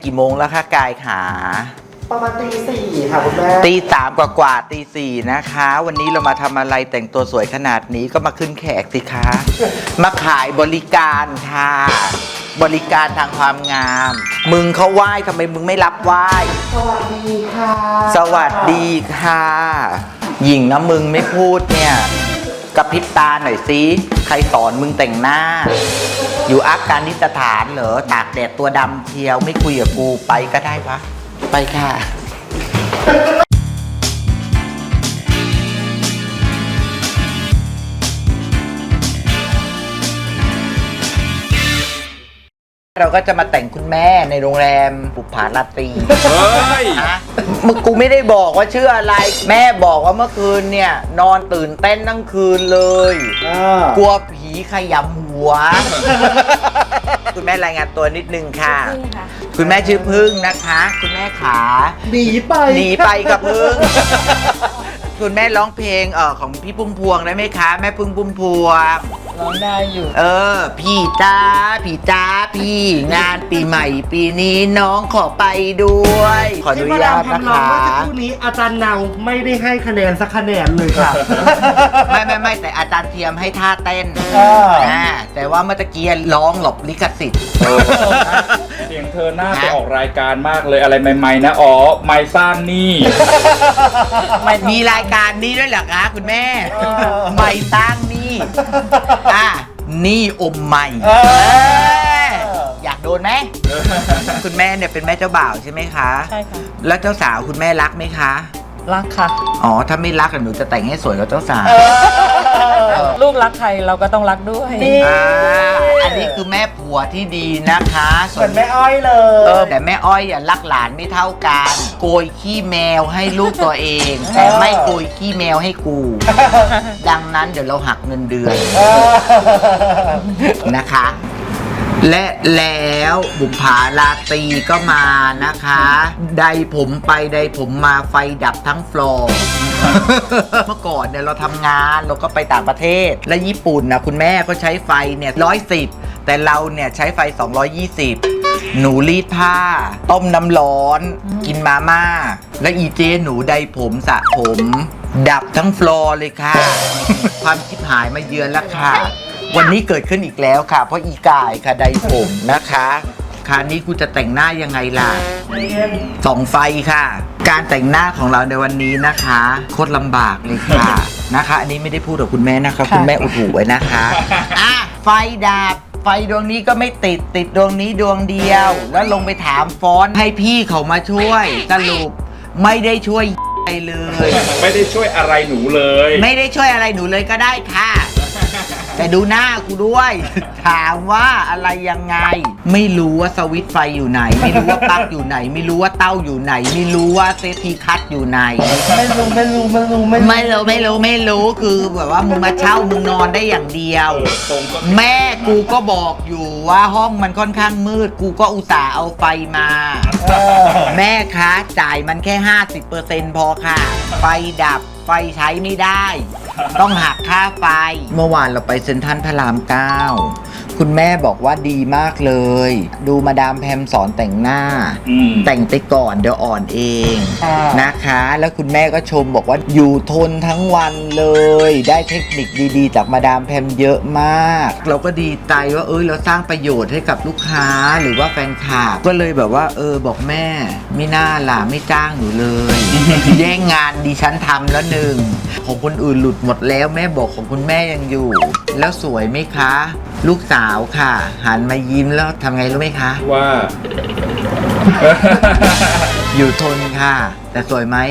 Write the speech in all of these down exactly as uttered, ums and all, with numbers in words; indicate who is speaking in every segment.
Speaker 1: กี่โมงแล้วคะกายขา
Speaker 2: ประมาณตีสี่ค่ะคุณแม่
Speaker 1: ตีสามกว่ากว่าตีสี่นะคะ วันนี้เรามาทำอะไรแต่งตัวสวยขนาดนี้ก็มาขึ้นแขกสิคะ มาขายบริการค่ะบริการทางความงาม มึงเขาไหว้ทำไมมึงไม่รับไหว้
Speaker 2: สวัสดีค่ะ
Speaker 1: สวัสดีค่ะหญิงนะมึงไม่พูดเนี่ยกระพริบตาหน่อยสิใครสอนมึงแต่งหน้าอยู่อัฟกานิสถานเหรอตากแดดตัวดำเชียวไม่คุยกับกูไปก็ได้ปะไปค่ะเราก็จะมาแต่งคุณแม่ในโรงแรมบุภาราตรีเฮ้ยนะมึงกูไม่ได้บอกว่าชื่ออะไรแม่บอกว่าเมื่อคืนเนี่ยนอนตื่นเต้นทั้งคืนเลยกลัวผีขยำหัว คุณแม่รายงานตัวนิดนึงค่ะคุณแม่ชื่อพึ่งนะคะคุณแม่ขา
Speaker 2: หนีไป
Speaker 1: หนีไปกับพึ่ง คุณแม่ร้องเพลงเออของพี่พุ่มพวงได้ไหมคะแม่พึ่งพุ่มพวง
Speaker 3: ร้องได้อยู่
Speaker 1: เออพี่จ้าพี่จ้าพี่งานปีใหม่ปีนี้น้องขอไปด้วยขออนุญาตนะคะ
Speaker 2: เมื่อสักครู่นี้อาจารย์เนาไม่ได้ให้คะแนนสักคะแนนเลยค่ะ
Speaker 1: ไม่ไม่ไม่แต่อาจารย์เทียมให้ท่าเต้นอ่าแต่ว่าเมื่อกี้ร้องหลบลิขสิทธิ์
Speaker 4: เสียงเธอหน้าไปออกรายการมากเลยอะไรใหม่ๆนะอ๋อไม่สร้างนี่
Speaker 1: มีรายการนี้ด้วยเหรอคะคุณแม่ไม่ตั้งนี่อ่ะนี่อมใหม่อยากโดนไหมคุณแม่เนี่ยเป็นแม่เจ้าบ่าวใช่ไหมคะ
Speaker 3: ใช่ค่ะ
Speaker 1: แล้วเจ้าสาวคุณแม่รักไหมคะ
Speaker 3: รักค่ะ
Speaker 1: อ๋อถ้าไม่รักหนูจะแต่งให้สวยกับเจ้าสาว
Speaker 3: ลูกรักใครเราก็ต้องรักด้วย
Speaker 1: อ่าอันนี้คือแม่ผัวที่ดีนะคะ
Speaker 2: ส่วนแม่อ้อยเล
Speaker 1: ยเออแต่แม่อ้อยอ่ะรักหลานไม่เท่ากันโกยขี้แมวให้ลูกตัวเองแต่ไม่โกยขี้แมวให้กูดังนั้นเดี๋ยวเราหักเงินเดือนนะคะและแล้วบุภาราตรีก็มานะคะใดผมไปใดผมมาไฟดับทั้งฟลอร์ เมื่อก่อนเนี่ยเราทำงานเราก็ไปต่างประเทศและญี่ปุ่นนะคุณแม่ก็ใช้ไฟเนี่ยร้อยสิบแต่เราเนี่ยใช้ไฟสองร้อยยี่สิบหนูรีดผ้าต้มน้ำร้อนกินมาม่าและอีเจหนูใดผมสระผมดับทั้งฟลอร์เลยค่ะ ความชิบหายมาเยือนแล้วค่ะวันนี้เกิดขึ้นอีกแล้วค่ะเพราะอีกายค่ะใดผมนะคะคราวนี้กูจะแต่งหน้ายังไงล่ะส่องไฟค่ะการแต่งหน้าของเราในวันนี้นะคะโคตรลำบากเลยค่ะนะคะอันนี้ไม่ได้พูดกับคุณแม่นะคะคุณแม่อุดหูไว้นะคะอ่ะไฟดับไฟดวงนี้ก็ไม่ติดติดดวงนี้ดวงเดียวแล้วลงไปถามฟอนต์ให้พี่เขามาช่วยสรุปไม่ได้ช่วยเลย
Speaker 4: ไม่ได้ช่วยอะไรหนูเลย
Speaker 1: ไม่ได้ช่วยอะไรหนูเลยก็ได้ค่ะแต่ดูหน้ากูด้วยถามว่าอะไรยังไงไม่รู้ว่าสวิตช์ไฟอยู่ไหนไม่รู้ว่าปลั๊กอยู่ไหนไม่รู้ว่าเต้าอยู่ไหนไม่รู้ว่าเซฟตี้คัทอยู่ไหน
Speaker 2: ไม่รู้ไม่รู้ไม่รู้
Speaker 1: ไม่รู้ไม่รู้ไม่รู้คือแบบว่ามึงมาเช่ามึงนอนได้อย่างเดียวแม่กูก็บอกอยู่ว่าห้องมันค่อนข้างมืดกูก็อุตส่าห์เอาไฟมาแม่คะจ่ายมันแค่ ห้าสิบเปอร์เซ็นต์ พอค่ะไฟดับไฟใช้ไม่ได้ต้องหักค่าไฟเมื่อวานเราไปเซ็นทรัลพระรามเก้าคุณแม่บอกว่าดีมากเลยดูมาดามแพมสอนแต่งหน้าแต่งไปก่อนเดี๋ยวอ่อนเองนะคะแล้วคุณแม่ก็ชมบอกว่าอยู่ทนทั้งวันเลยได้เทคนิคดีๆจากมาดามแพมเยอะมากเราก็ดีใจว่าเออเราสร้างประโยชน์ให้กับลูกค้าหรือว่าแฟนคลับก็เลยแบบว่าเออบอกแม่ไม่น่าล่ะไม่จ้างหนูเลย แย่งงานดิฉันทำแล้วหนึ่งของคนอื่นหลุดหมดแล้วแม่บอกของคุณแม่ยังอยู่แล้วสวยไหมคะลูกสาวค่ะหันมายิ้มแล้วทำไงรู้ไหมคะ
Speaker 4: ว่า
Speaker 1: อยู่ทนค่ะแต่สวยไหม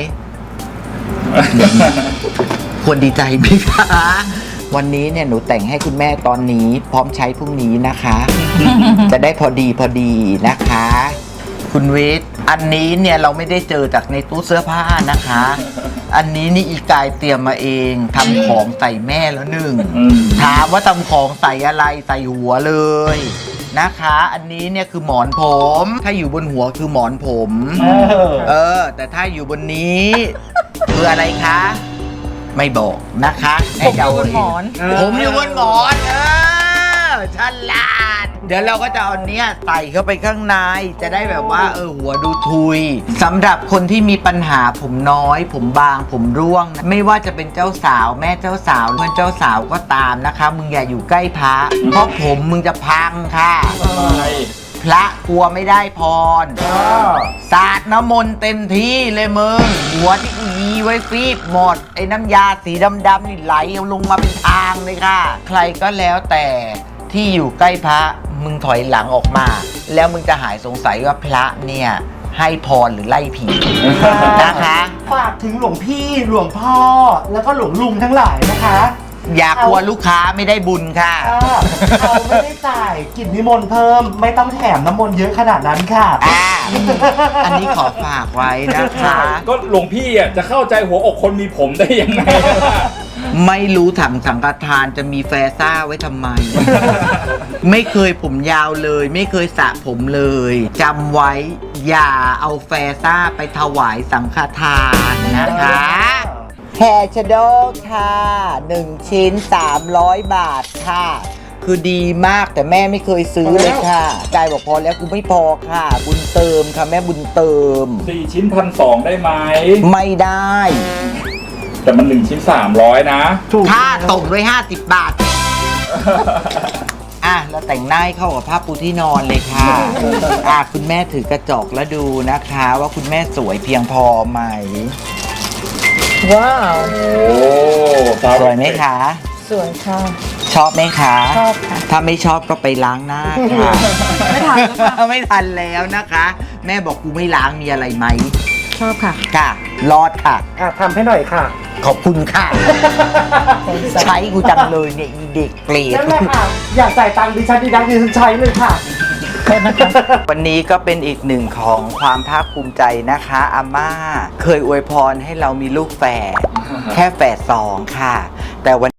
Speaker 1: ควรดีใจไหมคะวันนี้เนี่ยหนูแต่งให้คุณแม่ตอนนี้พร้อมใช้พรุ่งนี้นะคะ จะได้พอดีพอดีนะคะคุณวิทย์อันนี้เนี่ยเราไม่ได้เจอจากในตู้เสื้อผ้านะคะอันนี้นี่อีกายเตรียมมาเองทำของใส่แม่แล้วหนึ่งถามว่าทำของใส่อะไรใส่หัวเลยนะคะอันนี้เนี่ยคือหมอนผมถ้าอยู่บนหัวคือหมอนผมเออแต่ถ้าอยู่บนนี้คืออะไรคะไม่บอกนะคะ
Speaker 3: ผมอยู่บนหมอน
Speaker 1: ผมอยู่บนหมอนเออฉลาดเดี๋ยวเราก็จะเอาเนี้ยใส่เข้าไปข้างในจะได้แบบว่าเออหัวดูทุยสำหรับคนที่มีปัญหาผมน้อย ผมบางผมร่วง ไม่ว่าจะเป็นเจ้าสาวแม่เจ้าสาวเพื่อนเจ้าสาวก็ตามนะคะ มึงอย่าอยู่ใกล้พระเพราะผมมึงจะพังค่ะ พระกลัวไม่ได้พรสาดน้ำมนต์เต็มที่เลยมึง หัวที่กูยีไว้ฟีบหมด ไอ้น้ำยาสีดำๆนี่ไหลลงมาเป็นทางเลยค่ะ ใครก็แล้วแต่ที่อยู่ใกล้พระมึงถอยหลังออกมา แล้วมึงจะหายสงสัยว่าพระเนี่ยให้พรหรือไล่ผีนะคะ
Speaker 2: ฝากถึงหลวงพี่หลวงพ่อ แล้วก็หลวงลุงทั้งหลายนะคะ
Speaker 1: อย่ากลัวลูกค้าไม่ได้บุญค่ะ
Speaker 2: อ่าเขาไม่ได้จ่ายกินนิมนต์เพิ่ม ไม่ต้องแถมน้ำมนต์เยอะขนาดนั้นค่ะ
Speaker 1: อ่าอันนี้ขอฝากไว้นะคะ
Speaker 4: ก็หลวงพี่อ่ะจะเข้าใจหัวอกคนมีผมได้ยังไงล่ะ
Speaker 1: ไม่รู้ถังสังฆทานจะมีแฟซ่าไว้ทำไม ไม่เคยผมยาวเลย ไม่เคยสระผมเลยจำไว้อย่าเอาแฟซ่าไปถวายสังฆทานนะคะแฮร์ชโดค่ะหนึ่งชิ้น สามร้อย บาทค่ะ คือดีมากแต่แม่ไม่เคยซื้อเลยค่ะกายบอกพอแล้วกูไม่พอค่ะ บุญเติมค่ะแม่บุญเติม
Speaker 4: สี่ชิ้นพันสองได้ไหม
Speaker 1: ไม่ได้
Speaker 4: แต่มันหนึ่งชิ้นสามร้อยนะ
Speaker 1: ค่าส่งด้วยห้าสิบบาท อ่ะเราแต่งหน้าให้เข้ากับผ้าปูที่นอนเลยค่ะ อ่ะคุณแม่ถือกระจกแล้วดูนะคะ ว่าคุณแม่สวยเพียงพอไหม
Speaker 3: ว้าว
Speaker 4: โอ้สาว
Speaker 1: สวยไหมคะ
Speaker 3: สวยค่ะ
Speaker 1: ชอบไหมคะ
Speaker 3: ชอบค่ะ
Speaker 1: ถ้าไม่ชอบก็ไปล้างหน้าค่ะ
Speaker 3: ไม่ทันแล้วค่ะ
Speaker 1: ไม่ทันแล้วนะคะ แม่บอกกูไม่ล้างมีอะไรไหม
Speaker 3: ชอบค่ะ
Speaker 1: ค่ะ รอดค่ะ
Speaker 2: อ่ะทำให้หน่อยค่ะ
Speaker 1: ขอบคุณค่ะ ใช้กูจังเลยเนี่ยอีเด็กเกรด
Speaker 2: นั่นแหละค่ะ อยากจ่ายตังค์ดิฉันดิฉันดิฉันใช้เลยค่ะ
Speaker 1: วันนี้ก็เป็นอีกหนึ่งของความภาคภูมิใจนะคะอาม่า เคยอวยพรให้เรามีลูกแฝดแค่แฝดสองค่ะ แต่วัน